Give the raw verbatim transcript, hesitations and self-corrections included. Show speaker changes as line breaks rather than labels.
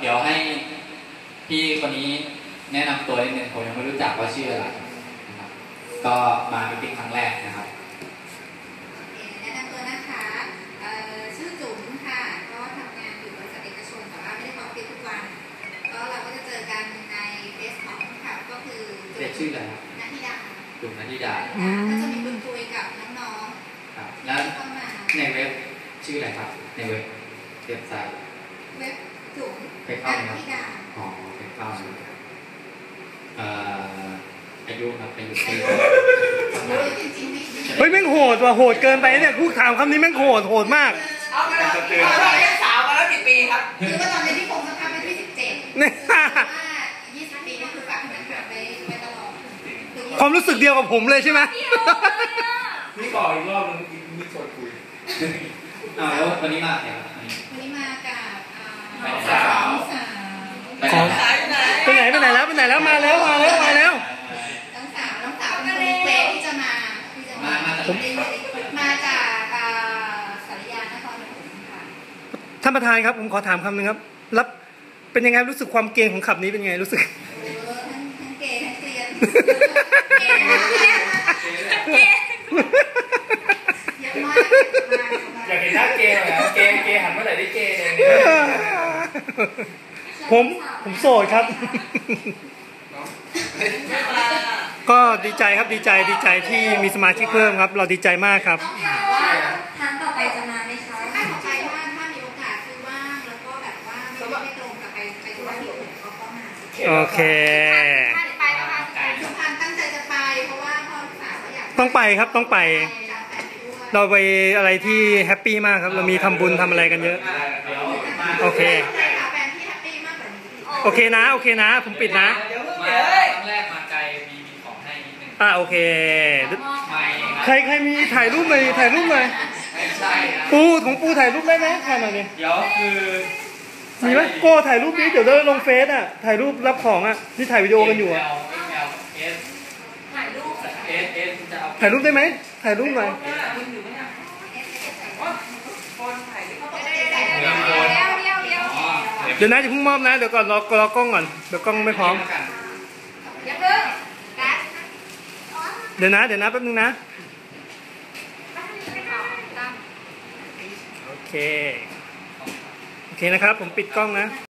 เดี๋ยวให้พี่คนนี้แนะนำตัวนิดนึงผมยังไม่รู้จักว่าชื่ออะไรนะครับก็มาเป็นครั้งแรกนะครับ
แนะนำตัวนะคะชื่อจุ๋มค่ะก็ทำงานอยู่บริษัทเอกชนแต่ว่าไม่ได้เข้าออฟฟิศทุกวันก็เราก็จะเจอกันในเฟซของค่ะก็คือจุ๋ม
ชื่ออะไรครับ
นัทธิดา
จุ๋มนัทธิดา
ก็จะมีคุยคุยกับน้อง
ๆครับแล้วในเว็บชื่ออะไรครับในเว็บเว็บไซต์
เว็บจุ๋ม
นัทธิดาอ๋อไปเข้าเอ่ออายุครับอายุปี
เฮ้ยแม่งโหดว่ะโหดเกินไปเนี่ยพูดถามคำนี้แม่งโหดโหดมาก
เอาไปแล้วเอาไปสาวมาแล้วกี่ปีครับ
คือว่าตอนนี้ที่คงสภาพเป็นที่สิบเจ็ด
เนี่ย
ยี่สิบปีก็คือฝากมันหาไปไปตลอด
ความรู้สึกเดียวกับผมเลยใช่ไหม
นี่ก่ออีกรอบนึงมีชวนคุยอ้าวแล้ววันนี้มาเนี่ย
วันนี้มากับ
สาว
ไปไหนไปไหนแล้วไปไหนแล้วมาแล้วมาแล้วมาแล้ว
น้องสาวน้องสาวเป็นคนเฟซที่จะมาที่จะมามาจากสารยานครปฐมค่ะ
ท่านประธานครับผมขอถามคำหนึ่งครับรับเป็นยังไงรู้สึกความเก่งของขับนี้เป็นยังไงรู้สึก
ทั้งทั้งเกย์ทั้งเซียนเกย์เกย์เยอะมาก
อยากเห็นหน้าเกย์เหรอเกย์เกย์หันเมื่อไหร่ได้เกย์เลย
ผมผมโสดครับก็ดีใจครับดีใจดีใจที่มีสมาชิกเพิ่มครับเราดีใจมากครับ
ทางต่อไปจะมาไหมคะถ้าต่อไปว่าถ้ามีโอกาสคือว่างแล้วก็แบบว่าไม่ได้ตรงกับไปไปที่ว่าที่อื่นเขาก็มา
โอเค
ไปนะคะสุพรรณตั้งใจจะไปเพราะว่าพ่อสาวอยาก
ต้องไปครับต้องไปเราไปอะไรที่แฮปปี้มากครับเรามีทำบุญทำอะไรกันเยอะโอเคโอเคนะโอเคนะผมปิดนะ
ครั้งแรกมาไกลมีมีของให้นิดนึง
อ่ะโอเคใครใครมีถ่ายรูปเลยถ่ายรูปเลยปูของปูถ่ายรูปได้ไหมถ่ายหน่อยดิ
เดี๋ยวคือ
มีไหมโก้ถ่ายรูปนี้เดี๋ยวเราลงเฟซอ่ะถ่ายรูปรับของอ่ะที่ถ่ายวิดีโอกันอยู่อ่ะ
ถ่ายรูป
ถ่ายรูปได้ไหมถ่ายรูปหน่อยเดี๋ยวนะจะเพิ่งมอบนะเดี๋ยวก่อนรอรอกล้องก่อนเดี๋ยวกล้องไม่พร้อมเดี๋ยวนะเดี๋ยวนะแป๊บนึงนะโอเคโอเคนะครับผมปิดกล้องนะ